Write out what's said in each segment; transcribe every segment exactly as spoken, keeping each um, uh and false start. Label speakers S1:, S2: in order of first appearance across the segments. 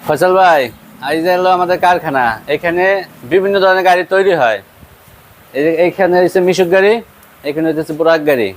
S1: ফয়সাল ভাই, এই যে হলো আমাদের কারখানা। এখানে বিভিন্ন ধরনের গাড়ি তৈরি হয়। এই- এইখানে হচ্ছে মিশুক গাড়ি, এখানে হচ্ছে বুরাক গাড়ি।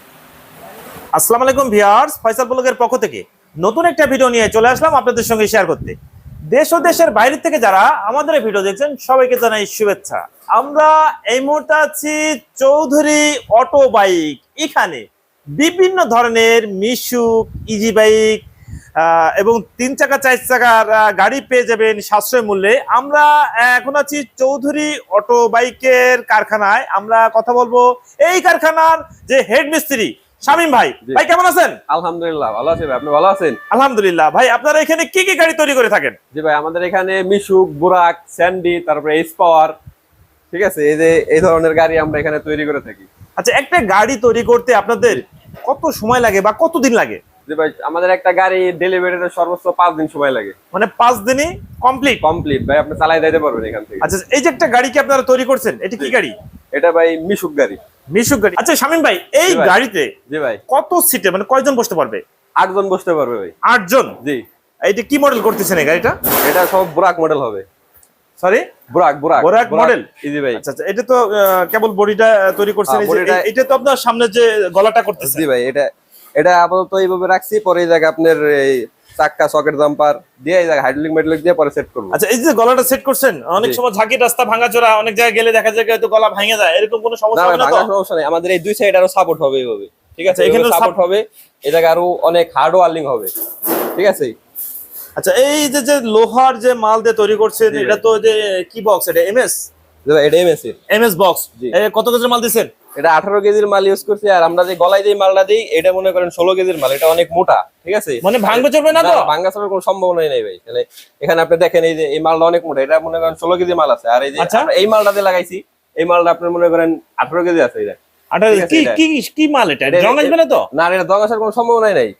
S2: আসসালামু আলাইকুম ভিউয়ার্স, ফয়সাল ব্লগের পক্ষ থেকে নতুন একটা ভিডিও নিয়ে চলে আসলাম আপনাদের সঙ্গে শেয়ার করতে। দেশ ও দেশের বাইরে থেকে যারা আমাদের এই ভিডিও দেখছেন সবাইকে জানাই শুভেচ্ছা। আমরা এই মুহূর্তে আছি চৌধুরী অটো বাইক। এখানে বিভিন্ন ধরনের মিশুক, ইজি বাইক আহ, এবং তিন চাকা চার চাকার আহ, গাড়ি পেয়ে যাবেন সাশ্রয় মূল্যে। আমরা আহ, এখন আছি চৌধুরী অটো বাইকের কারখানায়। আমরা কথা বলবো এই কারখানার যে হেড মিস্ত্রি শামীম ভাই।
S3: জি।
S2: ভাই কেমন আছেন?
S3: আলহামদুলিল্লাহ ভালো আছি ভাই, আপনি ভালো আছেন?
S2: আলহামদুলিল্লাহ। ভাই আপনারা এখানে কি কি গাড়ি তৈরি করে থাকেন?
S3: জি ভাই, আমাদের এখানে মিশুক, বুরাক, স্যান্ডি, তারপরে এস পাওয়ার, ঠিক আছে, এই যে এই ধরনের গাড়ি আমরা এখানে তৈরি করে থাকি।
S2: আচ্ছা, একটা গাড়ি তৈরি করতে আপনাদের কত সময় লাগে বা কতদিন লাগে?
S3: জি ভাই, আমাদের একটা গাড়ি ডেলিভারিতে সর্বোচ্চ পাঁচ দিন সময় লাগে।
S2: মানে পাঁচ দিনই কমপ্লিট?
S3: কমপ্লিট ভাই, আপনি চালাই দিতে পারবেন এখান থেকে।
S2: আচ্ছা, এই যে একটা গাড়ি কি আপনারা তৈরি করছেন, এটা কি
S3: জি।
S2: গাড়ি?
S3: এটা ভাই মিশুক গাড়ি।
S2: মিশুক গাড়ি। আচ্ছা শামীম ভাই, এই
S3: জি ভাই।
S2: গাড়িতে
S3: জি ভাই,
S2: কত সিটে মানে কয়জন বসতে পারবে?
S3: আটজন বসতে পারবে ভাই।
S2: আট জন?
S3: জি।
S2: এইটা কি মডেল করতেছেন এই গাড়িটা?
S3: এটা সব বুরাক মডেল হবে।
S2: সরি,
S3: বুরাক বুরাক
S2: বুরাক মডেল?
S3: জি ভাই।
S2: আচ্ছা আচ্ছা, এটা তো আহ, কেবল বডিটা তৈরি করছেন।
S3: হ্যাঁ,
S2: এই যে
S3: বডিটা-
S2: এ- এটা তো আপনার সামনে যে গলাটা করতেছেন।
S3: জি ভাই, এটা এটা আপাতত এইভাবে রাখছি, পরে এই জায়গায় আপনার এই চাক্কা সকেট জাম্পার দিয়ে এই জায়গায় হাইড্রোলিক মেটালিক দিয়ে পরে সেট করবো।
S2: আচ্ছা, এই যে গলাটা সেট করছেন, অনেক
S3: জি।
S2: সময় ঝাঁকি রাস্তা ভাঙাচোরা অনেক জায়গায় গেলে দেখা যায় হয়তো গলা ভেঙে যায়, এরকম কোনো
S3: না
S2: সমস্যা
S3: ভাই,
S2: হবে না তো?
S3: ভাঙার সমস্যা নেই, আমাদের এই দুই সাইড আরো সাপোর্ট হবে এইভাবে, ঠিক আছে,
S2: আচ্ছা, এখানেও
S3: এখানে সাপোর্ট
S2: sup-
S3: হবে, এই জায়গায় আরো অনেক হার্ড ওয়ার্লিং হবে, ঠিক আছে।
S2: আচ্ছা, এই যে যে লোহার যে মাল দিয়ে তৈরি করছেন,
S3: জি
S2: এটা
S3: ভাই।
S2: তো যে কি বক্স, এটা এমএস
S3: জি ভাই, এটা এমএস এর।
S2: MS box.
S3: জি।
S2: কত কেজির মাল দিছেন?
S3: এটা আঠারো কেজির মাল ইউজ করছি, আর আমরা যে গলায় যে মালটা দিই এটা মনে করেন ষোলো কেজির মাল, এটা অনেক মোটা, ঠিক আছে।
S2: মানে ভাঙবে চলবে না তো?
S3: ভাঙ্গা চলার কোনো সম্ভাবনাই নেই ভাই। তাহলে এখানে আপনি দেখেন এই যে এই মালটা অনেক মোটা, এটা মনে করেন ষোলো কেজি মাল আছে, আর এই যে
S2: আচ্ছা।
S3: আমরা এই মালটা দিয়ে লাগাইছি, এই মালটা আপনি মনে করেন আঠারো কেজি আছে। এটা
S2: আটা
S3: ঠিক আছে,
S2: কি
S3: এটা-
S2: কি কি মাল এটা?
S3: এটা-
S2: জং আসবে না তো?
S3: না, এটা দং আসার কোনো সম্ভাবনাই নাই।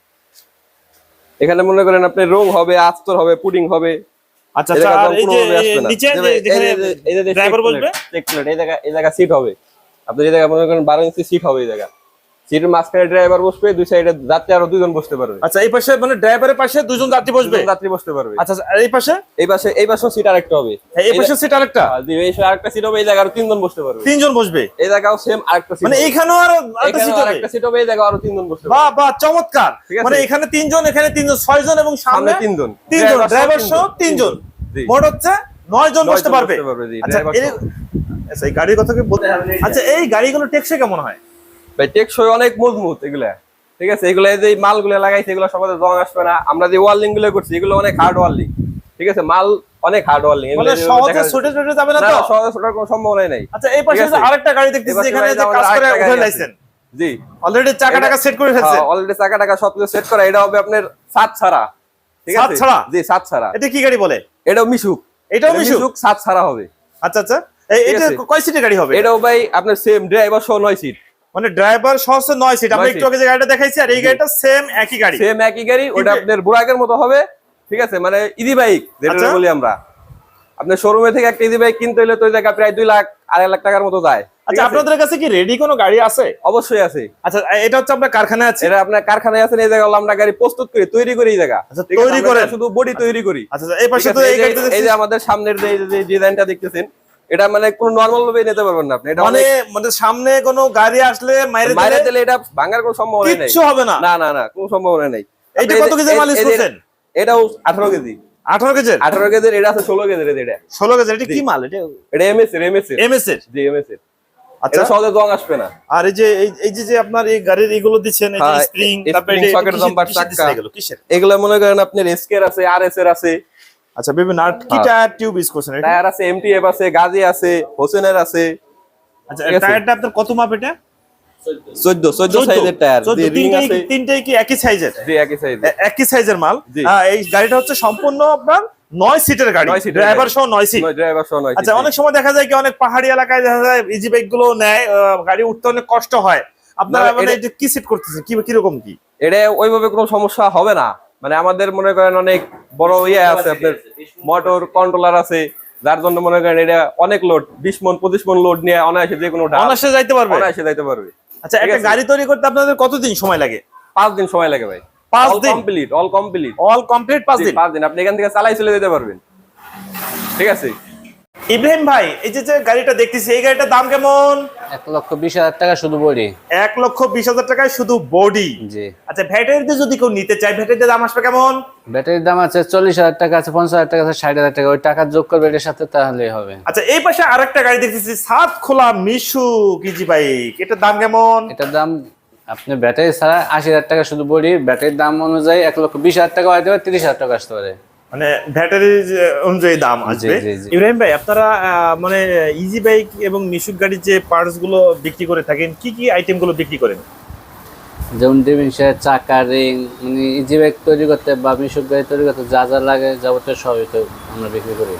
S3: এখানে মনে করেন আপনি রং হবে, আস্তর হবে, পুডিং হবে।
S2: আচ্ছা
S3: এই
S2: আচ্ছা,
S3: জায়গায়
S2: আর
S3: রং
S2: এই যে
S3: কোনোভাবে আসবে না।
S2: নিচে
S3: এই
S2: যে
S3: যে-
S2: যেখানে
S3: এই যে- এই যে যে
S2: ড্রাইভার
S3: check
S2: বসবে,
S3: plate, check plate, এই জায়গা এই জায়গা সিট হবে, আপনার এই জায়গায় মনে করেন বারো ইঞ্চি সিট হবে, এই জায়গা সিটের মাঝখানে ড্রাইভার বসবে, দুই সাইডে যাত্রী আরো দুজন বসতে পারবে।
S2: আচ্ছা এই পাশে মানে ড্রাইভারের পাশে দুজন যাত্রী বসবে?
S3: দুজন যাত্রী বসতে পারবে।
S2: আচ্ছা আচ্ছা, আর এই পাশে?
S3: এই পাশে এই পাশেও সিট আরেকটা হবে।
S2: হ্যাঁ, এই পাশে সিট আরেকটা?
S3: আর জি, এই পাশে আরেকটা সিট হবে, এই জায়গায় আরো তিনজন বসতে পারবে।
S2: তিনজন বসবে?
S3: এই জায়গাও সেম আরেকটা সিট
S2: মানে
S3: হবে।
S2: এইখানেও আর আরেকটা
S3: এখানেও
S2: সিট হবে?
S3: আরেকটা সিট হবে, এই জায়গায় আরো তিনজন বসতে পারবে।
S2: বাহ বাহ, চমৎকার।
S3: ঠিক আছে।
S2: মানে এখানে তিনজন, এখানে তিনজন, ছয়জন, এবং
S3: সামনে
S2: সামনে
S3: তিনজন,
S2: তিনজন,
S3: ড্রাইভার সহ
S2: ড্রাইভার সহ
S3: তিনজন।
S2: তিনজন,
S3: জি।
S2: মোট হচ্ছে নয় জন
S3: নয়
S2: বসতে
S3: জন
S2: পারবে।
S3: বসতে পারবে, জি,
S2: আচ্ছা,
S3: ড্রাইভার
S2: এই-
S3: সহ।
S2: আচ্ছা, এই গাড়ির কথা কি বলতে হবে? আচ্ছা, এই গাড়িগুলো টেকসই কেমন হয়?
S3: ভাই টেকসই অনেক মজবুত এগুলা, ঠিক আছে। এগুলা এই যে মালগুলো লাগাইছে এগুলো সবাই জং আসবে না। আমরা যে ওয়ার্লিং গুলো করছি এগুলো অনেক হার্ড ওয়ার্লিং, ঠিক আছে, মাল অনেক হার্ড ওয়ার্লিং।
S2: মানে সহজে ছুটে ছুটে যাবে না তো?
S3: সহজে ছোটার কোনো সম্ভাবনাই নাই।
S2: আচ্ছা, এই পাশে
S3: ঠিক আছে।
S2: যে আরেকটা গাড়ি দেখতেছি,
S3: এবার
S2: এখানে
S3: ভাই
S2: যে
S3: আমাদের
S2: কাজ করে
S3: আরেকটা
S2: উঠে
S3: গাড়ি
S2: লাইছেন,
S3: আছে। জি,
S2: অলরেডি চাকা টাকা সেট করে ফেলছেন।
S3: অলরেডি চাকা টাকা সবকিছু সেট করা। এটা হবে আপনার সাত ছাড়া, ঠিক
S2: সাত
S3: আছে।
S2: ছাড়া?
S3: জি, সাত ছাড়া।
S2: এটা কি গাড়ি বলে?
S3: এটাও মিশুক।
S2: এটাও
S3: এটা
S2: মিশুক?
S3: সাত ছাড়া হবে।
S2: আচ্ছা আচ্ছা, এই
S3: ঠিক
S2: এটা
S3: আছে।
S2: কয় সিটের গাড়ি হবে?
S3: এটাও ভাই আপনার সেম ড্রাইভার সহ নয় সিট।
S2: মানে ড্রাইভার সহ নয় সিট। আমরা
S3: নয়
S2: একটু
S3: সিট।
S2: আগে যে গাড়িটা দেখাইছি আর এই
S3: জি।
S2: গাড়িটা সেম একই গাড়ি।
S3: সেম একই গাড়ি, ওটা
S2: কিন্তু-
S3: আপনার বুরাকের মতো হবে, ঠিক আছে, মানে ইজি বাইক যেটা
S2: আচ্ছা।
S3: বলি আমরা। আপনার শোরুমে থেকে একটা ইজি বাইক কিনতে হলে তো ওই জায়গা প্রায় দুই লাখ আড়াই লাখ টাকার মতো যায়। ঠিক
S2: আচ্ছা,
S3: আছে?
S2: আপনাদের কাছে কি রেডি কোনো গাড়ি আছে?
S3: অবশ্যই আছে।
S2: আচ্ছা, এটা হচ্ছে আপনার কারখানায় আছে?
S3: এটা আপনার কারখানায় আছে, এই জায়গা হলো আমরা গাড়ি প্রস্তুত করি, তৈরি করি এই জায়গা।
S2: আচ্ছা,
S3: ঠিক আছে?
S2: তৈরি
S3: আমরা
S2: করেন?
S3: শুধু বডি তৈরি করি।
S2: আচ্ছা আচ্ছা, এই পাশে
S3: ঠিক
S2: তো
S3: আছে?
S2: এই
S3: এই যে-
S2: গাড়িটা
S3: এই
S2: দেখছি।
S3: যে আমাদের সামনের যে যে ডিজাইনটা দেখতেছেন, এটা মানে কোনো নরমাল ভাবে নিতে পারবেন না আপনি। এটা
S2: মানে
S3: অনেক
S2: মানে সামনে কোনো গাড়ি আসলে মাইরে
S3: বাইরে
S2: দিলে
S3: দিলে এটা ভাঙার কোনো সম্ভাবনা নেই।
S2: কিচ্ছু হবে না?
S3: না না না, কোনো সম্ভাবনা নেই।
S2: এইটা
S3: আপনি এই
S2: কত
S3: যে-
S2: কেজি মাল
S3: এই-
S2: ইউজ
S3: এই যে-
S2: করছেন?
S3: এটাও আঠারো কেজি।
S2: আঠারো কেজির?
S3: আঠারো কেজির, এটা আছে ষোলো কেজির। এটা
S2: ষোলো কেজি? এটা
S3: জি।
S2: কি মাল? এটা
S3: এটা এমএস এর এমএস এর
S2: এমএস এর?
S3: জি, এমএস এর।
S2: আচ্ছা।
S3: এটা সহজে জং আসবে না।
S2: আর এই যে এই- এই যে যে আপনার এই গাড়ির এইগুলো দিচ্ছেন, এই যে
S3: হ্যাঁ,
S2: স্প্রিং,
S3: এই
S2: তারপরে
S3: spring,
S2: এটা
S3: socket,
S2: কিসের-
S3: jumper,
S2: কিসের দিচ্ছেন
S3: চাক্কা।
S2: এগুলো? কিসের?
S3: এগুলো মনে করেন আপনার এসকের আছে, আরএস এর আছে,
S2: আচ্ছা, বিভিন্ন আর কি
S3: হ্যাঁ।
S2: টায়ার টিউব ইউজ করছেন এটা?
S3: টায়ার আছে, এমটিএফ আছে, গাজি আছে, হোসেনের আছে।
S2: আচ্ছা,
S3: ঠিক আছে।
S2: টায়ারটা আপনার কত মাপ এটা?
S3: চোদ্দ চোদ্দ সাইজের টায়ার।
S2: চোদ্দ,
S3: জি, রিং
S2: তিনটাই
S3: আছে।
S2: কি- তিনটাই কি একই সাইজের?
S3: জি, একই সাইজের।
S2: এ- একই সাইজের মাল।
S3: জি।
S2: হ্যাঁ, এই গাড়িটা হচ্ছে সম্পূর্ণ আপনার নয় সিটের গাড়ি,
S3: নয় সিটের
S2: ড্রাইভার
S3: গাড়ি।
S2: সহ নয় সিট।
S3: নয় ড্রাইভার সহ নয়
S2: আচ্ছা,
S3: সিট।
S2: অনেক সময় দেখা যায় কি অনেক পাহাড়ি এলাকায় দেখা যায় ইজি বাইক গুলো নেয়, আহ, গাড়ি উঠতে অনেক কষ্ট হয়। আপনারা
S3: না,
S2: মানে
S3: এটা-
S2: এটা কি সেট করতেছেন, কি কিরকম কি?
S3: এটা ওইভাবে কোনো সমস্যা হবে না। মানে আমাদের মনে করেন অনেক বড় ইয়ে আছে, আপনার মোটর কন্ট্রোলার আছে, যার জন্য মনে করেন এটা অনেক লোড, বিশ মন পঁচিশ মন লোড নিয়ে অনায়াসে যে কোনো ঢাল
S2: অনায়াসে যাইতে পারবে?
S3: অনায়াসে যাইতে পারবে।
S2: আচ্ছা,
S3: ঠিক
S2: একটা
S3: আছে।
S2: গাড়ি তৈরি করতে আপনাদের কতদিন সময় লাগে?
S3: পাঁচ দিন সময় লাগে ভাই।
S2: পাঁচ
S3: অল
S2: দিন
S3: complete, all complete,
S2: all complete পাঁচ দিন।
S3: পাঁচ দিন আপনি এখান থেকে চালাই চলে যেতে পারবেন। ঠিক আছে
S2: ইব্রাহিম ভাই, এই যে যে গাড়িটা দেখতেছি, এই গাড়িটার দাম কেমন?
S1: এক লক্ষ বিশ হাজার টাকা শুধু বডি।
S2: এক লক্ষ বিশ হাজার টাকায় শুধু বডি।
S1: জি।
S2: আচ্ছা, ব্যাটারিতে যদি কেউ নিতে চায়, ব্যাটারিতে দাম আসবে কেমন?
S1: ব্যাটারির দাম আছে চল্লিশ হাজার টাকা, আছে পঞ্চাশ হাজার টাকা, আছে ষাট হাজার টাকা। ওই টাকা যোগ করবে এটার সাথে, তাহলেই হবে।
S2: আচ্ছা, এই পাশে আরেকটা গাড়ি দেখতেছি, সাত খোলা মিশু কিজি বাইক, এটার দাম কেমন?
S1: এটার দাম আপনি ব্যাটারি ছাড়া আশি হাজার টাকা শুধু বডি। ব্যাটারির দাম অনুযায়ী এক লক্ষ বিশ হাজার টাকা হতে পারে, তিরিশ হাজার টাকা আসতে পারে।
S2: মানে ব্যাটারি অনুযায়ী দাম আসবে।
S1: জি, জি।
S2: ইব্রাহিম ভাই, আপনারা আহ, মানে ইজি বাইক এবং মিশুক গাড়ির যে পার্টস গুলো বিক্রি করে থাকেন, কি কি আইটেম গুলো বিক্রি করেন?
S1: যেমন ডিভিনসের চাকা, রিং, মানে ইজি বাইক তৈরি করতে বা মিশুক গাড়ি তৈরি করতে যা যা লাগে যাবতীয় সবই তো আমরা বিক্রি করি।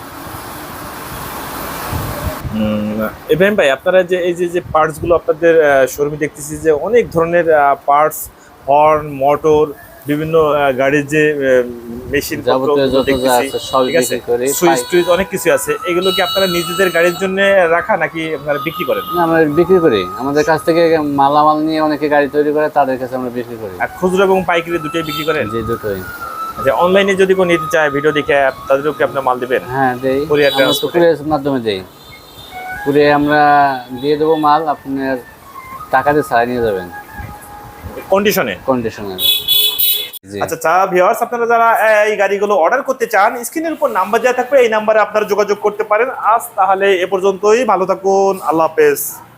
S2: ইব্রাহিম ভাই, আপনারা যে এই যে যে পার্টস গুলো আপনাদের শোরুমে দেখতেছি, যে অনেক ধরনের পার্টস, হর্ন, মোটর, বিভিন্ন আহ, গাড়ির যে মেশিন
S1: যাবতীয় যত যা আছে সবই বিক্রি করি।
S2: সুইচ টুইচ অনেক কিছু আছে, এগুলো কি আপনারা নিজেদের গাড়ির জন্য রাখা নাকি আপনারা বিক্রি করেন?
S1: না, আমরা বিক্রি করি। আমাদের কাছ থেকে মালামাল নিয়ে অনেকে গাড়ি তৈরি করে, তাদের কাছে আমরা বিক্রি করি।
S2: আর খুচরো এবং পাইকারি দুটোই বিক্রি করেন?
S1: জি, দুটোই।
S2: আচ্ছা, অনলাইনে যদি কেউ নিতে চায়, ভিডিও দেখে, তাদেরও কি আপনার মাল দিবেন?
S1: হ্যাঁ, দেই।
S2: Courier
S1: আমরা তো
S2: transport-এ?
S1: কুরিয়ারের মাধ্যমে দেই। কুরিয়ে আমরা দিয়ে দেবো মাল, আপনার টাকা দিয়ে ছাড়া নিয়ে যাবেন
S2: কন্ডিশনে?
S1: কন্ডিশনার। জি।
S2: আচ্ছা, চা ভিউয়ার্স, আপনারা যারা এই গাড়িগুলো অর্ডার করতে চান, স্ক্রিনের উপর নাম্বার দেওয়া থাকবে, এই নাম্বারে আপনারা যোগাযোগ করতে পারেন। আজ তাহলে এ পর্যন্তই, ভালো থাকুন, আল্লাহ হাফেজ।